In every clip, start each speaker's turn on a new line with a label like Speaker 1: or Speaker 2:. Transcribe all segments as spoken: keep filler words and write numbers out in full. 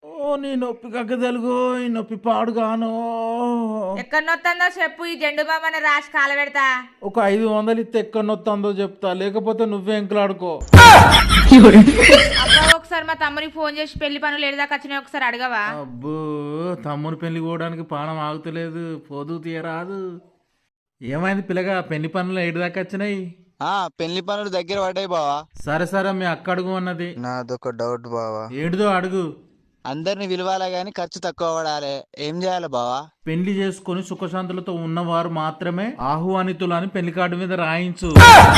Speaker 1: ఓ నీ నొప్పి కక్క తెలుగు ఈ నొప్పి పాడుగాను.
Speaker 2: ఎక్కడ నొత్తందో చెప్పు, ఈ జెండు బామ్మని రాసి కాల పెడతా.
Speaker 1: ఒక ఐదు వందలు ఇస్తే ఎక్కడ నొత్తందో చెప్తా, లేకపోతే నువ్వే ఎంకలాడుకో.
Speaker 2: అబ్బా ఒకసారి మా తమ్మునికి ఫోన్ చేసి పెళ్లి పనులు ఏడాక వచ్చినాయి ఒకసారి అడగవా?
Speaker 1: అబ్బో తమ్ముని పెళ్లి పోవడానికి పానం ఆగుతలేదు, పోదు తీయరాదు. ఏమైంది పిల్లగా, పెళ్లి పనులు ఏడు దాకా వచ్చినాయి?
Speaker 3: ఆ పెళ్లి పనులు దగ్గర పడ్డాయి బావా.
Speaker 1: సరే సరే మీ అక్క అడుగు అన్నది.
Speaker 3: నాదొక డౌట్ బావా.
Speaker 1: ఏడుదో అడుగు.
Speaker 3: అందరిని పిలవాలా గాని ఖర్చు తక్కువ పడాలి, ఏం చేయాలి బావా?
Speaker 1: పెళ్లి చేసుకుని సుఖశాంతులతో ఉన్నవారు మాత్రమే ఆహ్వానితులని పెళ్లి కార్డు మీద రాయించు.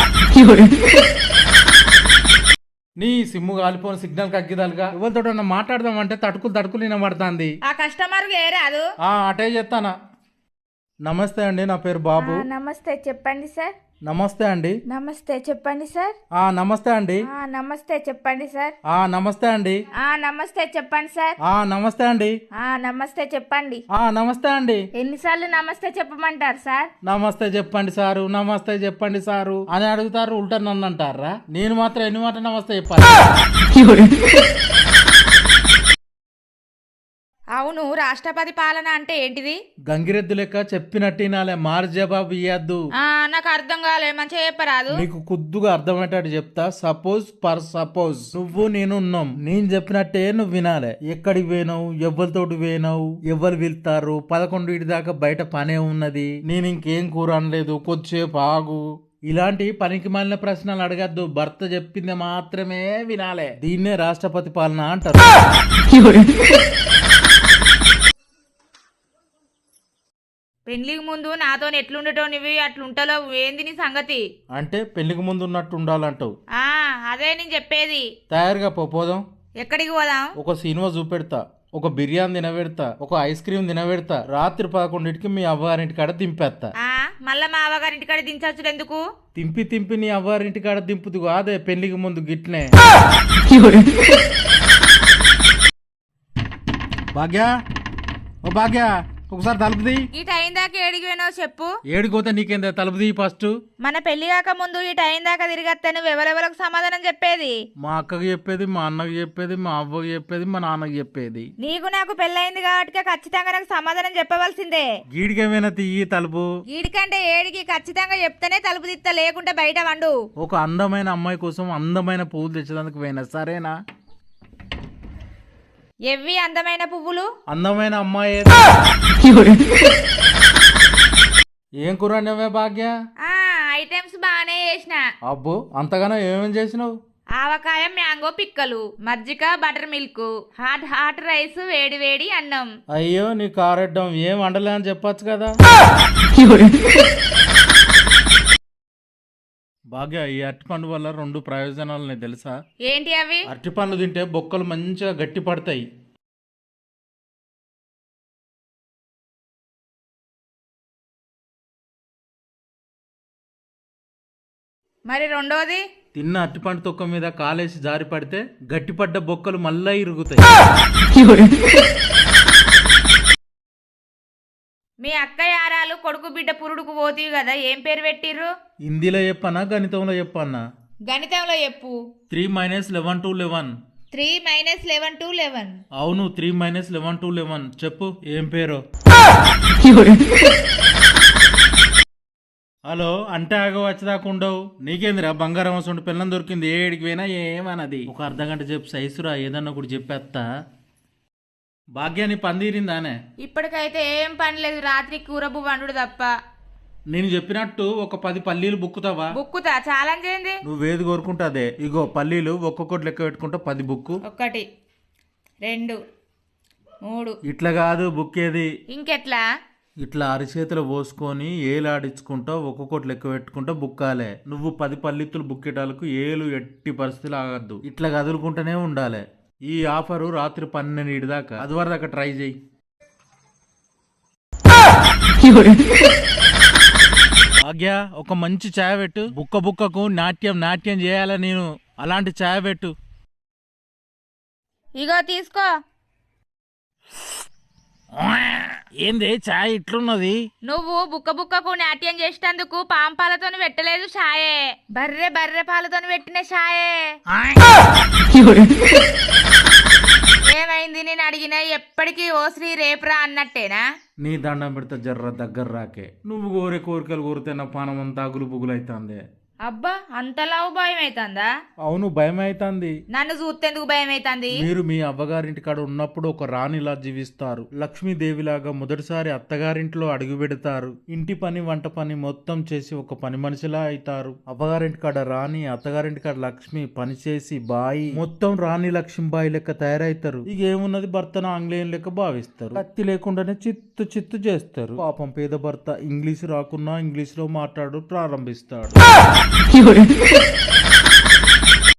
Speaker 1: నీ సిమ్ము కాలిపోని సిగ్నల్ కగ్గిదాలుగా ఎవరితో మాట్లాడదాం అంటే తడుకులు తడుకులు వినబడుతుంది.
Speaker 2: ఆ కస్టమర్ ఏ రాదు.
Speaker 1: ఆ అటే చెప్తానా. నమస్తే అండి, నా పేరు బాబు.
Speaker 4: నమస్తే చెప్పండి సార్.
Speaker 1: నమస్తే అండి.
Speaker 4: నమస్తే చెప్పండి సార్.
Speaker 1: ఆ నమస్తే అండి.
Speaker 4: ఆ నమస్తే చెప్పండి సార్.
Speaker 1: ఆ నమస్తే అండి.
Speaker 4: ఆ నమస్తే చెప్పండి సార్.
Speaker 1: ఆ నమస్తే అండి.
Speaker 4: ఆ నమస్తే చెప్పండి.
Speaker 1: ఆ నమస్తే అండి.
Speaker 4: ఎన్నిసార్లు నమస్తే చెప్పమంటారు సార్?
Speaker 1: నమస్తే చెప్పండి సారు, నమస్తే చెప్పండి సారు అని అడుగుతారు, ఉల్టా నన్ను అంటారా? నేను మాత్రం ఎన్ని మాట నమస్తే చెప్పాలి?
Speaker 2: అవును, రాష్ట్రపతి పాలన అంటే ఏంటిది?
Speaker 1: గంగిరెద్దు లెక్క చెప్పినట్టినాలే, మారు జవాబు ఇయ్యద్దు.
Speaker 2: ఆ నాకు అర్థం కాలే, మంచిగా చెప్పరాదు.
Speaker 1: నీకు కుద్దుగా అర్థమయ్యేటట్టు చెప్తా. సపోజ్ పర్ సపోజ్ నువ్వు నేను ఉన్నాం, నేను చెప్పినట్టే నువ్వు వినాలే. ఎక్కడికి పోయినావు, ఎవరితోటి పోయినావు, ఎవరు వెళ్తారు, పదకొండు ఇటు దాకా బయట పనే ఉన్నది, నేను ఇంకేం కూర అనలేదు, కొద్దిసేపు ఆగు. ఇలాంటి పనికి మాలిన ప్రశ్నలు అడగద్దు, భర్త చెప్పింది మాత్రమే వినాలే. దీన్నే రాష్ట్రపతి పాలన అంటారు.
Speaker 2: పెళ్లికి ముందు నాతో ఎట్లుండటో నువ్వు అట్లుంటలో ఏంది నీ సంగతి?
Speaker 1: అంటే పెళ్లికి ముందు ఉన్నట్టు ఉండాలంటావు.
Speaker 2: ఆ అదే నేను చెప్పేది.
Speaker 1: తయారుగా పో, పోదాం.
Speaker 2: ఎక్కడికి పోదాం?
Speaker 1: ఒక సినిమా చూపెడతా, ఒక బిర్యానీ తినబెడతా, ఒక ఐస్ క్రీమ్ తినబెడతా, రాత్రి పదకొండింటికి మీ అవ్వారింటి కాడ దింపేస్తా.
Speaker 2: ఆ మళ్ళా మా అవ్వగారింటి కాడ దించొచ్చు ఎందుకు?
Speaker 1: తింపి తింపి నీ అవ్వారింటి కాడ దింపుదు అదే పెళ్లికి ముందు గిట్నే. భాగ్య, ఓ భాగ్య, ఒకసారి తలుపుది.
Speaker 2: ఈ టైం దాకా ఏడికి పోయినావు చెప్పు.
Speaker 1: ఏడిపోతే నీకేందా, తలుపుది ఫస్ట్.
Speaker 2: మన పెళ్లి కాక ముందు ఈ టైం దాకా తిరిగత్తే నువ్వు ఎవరెవరికి సమాధానం చెప్పేది?
Speaker 1: మా అక్కకి చెప్పేది, మా అన్నకి చెప్పేది, మా అవ్వకి చెప్పేది, మా నాన్నకి చెప్పేది.
Speaker 2: నీకు నాకు పెళ్ళయింది కాబట్టి ఖచ్చితంగా నాకు సమాధానం చెప్పవలసిందే.
Speaker 1: గీడికేమైనా తీయి తలుపు.
Speaker 2: వీడికంటే ఏడికి ఖచ్చితంగా చెప్తేనే తలుపు తిత్తా, లేకుంటే బయట వండు.
Speaker 1: ఒక అందమైన అమ్మాయి కోసం అందమైన పువ్వులు తెచ్చేందుకు పోయినా, సరేనా?
Speaker 2: ఎవ్వి అందమైన పువ్వులు?
Speaker 1: అందమైన అమ్మాయి. ఏం కూర వండావే భాగ్య?
Speaker 2: ఆ ఐటమ్స్ బాగానే చేసిన.
Speaker 1: అబ్బో అంతగానో ఏమేం చేసినావు?
Speaker 2: ఆవకాయ, మ్యాంగో పిక్కలు, మజ్జిగ, butter milk, hot hot rice, వేడి వేడి అన్నం.
Speaker 1: అయ్యో నీ కారెడ్డం, ఏం వండలే అని చెప్పొచ్చు కదా. భాగ్య, ఈ అరటిపండు వల్ల రెండు ప్రయోజనాలు నీకు తెలుసా?
Speaker 2: ఏంటి అవి?
Speaker 1: అరటిపండ్లు తింటే బొక్కలు మంచిగా గట్టి పడతాయి.
Speaker 2: మరి రెండోది?
Speaker 1: తిన్న అరటిపండు తొక్క మీద కాలేసి జారి పడితే గట్టిపడ్డ బొక్కలు మళ్ళా ఇరుగుతాయి.
Speaker 2: మీ అక్క యారాలు కొడుకు బిడ్డ పురుడుకు పోతీవి కదా, ఏం పేరు పెట్టిర్రు?
Speaker 1: హిందీలో చెప్పన్నా గణితంలో చెప్పన్నా?
Speaker 2: గణితంలో చెప్పు.
Speaker 1: Three minus eleven to eleven.
Speaker 2: Three minus eleven to eleven.
Speaker 1: అవును, three minus eleven to eleven. చెప్పు ఏం పేరు? హలో అంటే ఆగ వచ్చేదాకా ఉండవు. నీకేందిరా బంగారం వస్తుంటే పిల్లని దొరికింది, ఏడికి పోయినా ఏమన్నది. ఒక అర్ధ గంట చెప్పు సైసురా, ఏదన్నా ఒకటి చెప్పేస్తా. భాగ్యాన్ని పందిరిందానే?
Speaker 2: ఇప్పటికైతే ఏం పని లేదు, రాత్రి కూరబు వండు తప్ప.
Speaker 1: నేను చెప్పినట్టు ఒక పది పల్లీలు బుక్కుతావా?
Speaker 2: బుక్కుతా, ఛాలెంజ్ ఏంది?
Speaker 1: నువ్వేది కోరుకుంటాదే. ఇగో పల్లీలు ఒక్కొక్కటి లెక్క పెట్టుకుంటా, పది బుక్కు.
Speaker 2: ఒకటి, రెండు, మూడు.
Speaker 1: ఇట్లా కాదు బుక్కేది.
Speaker 2: ఇంకెట్లా?
Speaker 1: ఇట్లా అరిచేతులు పోసుకొని ఏలు ఆడించుకుంటా ఒక్కొక్కటి లెక్క పెట్టుకుంటా బుక్కాలే. నువ్వు పది పల్లిత్తులు బుక్కేటాలకు ఏలు ఎట్టి పరిస్థితులు ఆగద్దు, ఇట్లా కదులుకుంటూనే ఉండాలి. ఈ ఆఫరు రాత్రి పన్నెండు దాకా, అది వరకు దాకా ట్రై చేయి. భాగ్య, ఒక మంచి ఛాయ్ పెట్టు. బుక్క బుక్కకు నాట్యం నాట్యం చేయాల నేను, అలాంటి ఛాయ్ పెట్టు.
Speaker 2: ఇగో తీసుకో.
Speaker 1: ఏంది ఛాయ్ ఇట్లున్నది?
Speaker 2: నువ్వు బుక్క బుక్కకు నాట్యం చేసేందుకు పాంపాలతో పెట్టలేదు ఛాయే, బర్రె బర్రె పాలతో పెట్టిన ఛాయే. ఏమైంది? నేను అడిగినా ఎప్పటికీ ఓ శ్రీ రేపురా అన్నట్టేనా?
Speaker 1: నీ దండం పెడితే జర్ర దగ్గర రాకే. నువ్వు కోరే కోరికలు కోరితే నా పానం అంతా అగులు బుగులు అవుతుంది.
Speaker 2: అబ్బా అంతలావు భయం అవుతుందా?
Speaker 1: అవును, భయం అవుతుంది.
Speaker 2: నన్ను చూస్తేందుకు భయం అవుతుంది?
Speaker 1: మీరు మీ అవ్వగారింటి కాడ ఉన్నప్పుడు ఒక రాణిలా జీవిస్తారు. లక్ష్మీదేవిలాగా మొదటిసారి అత్తగారింట్లో అడుగు పెడతారు. ఇంటి పని వంట పని మొత్తం చేసి ఒక పని మనిషిలా అవుతారు. అవ్వగారింటి కాడ రాణి, అత్తగారింటి కాడ లక్ష్మి పని చేసి బాయి మొత్తం రాణి లక్ష్మీబాయి లెక్క తయారవుతారు. ఇక ఏమున్నది, భర్తను ఆంగ్లేయం లెక్క భావిస్తారు. కత్తి లేకుండానే చిత్తు చిత్తు చేస్తారు. పాపం పేద భర్త ఇంగ్లీష్ రాకున్నా ఇంగ్లీష్ లో మాట్లాడు ప్రారంభిస్తాడు.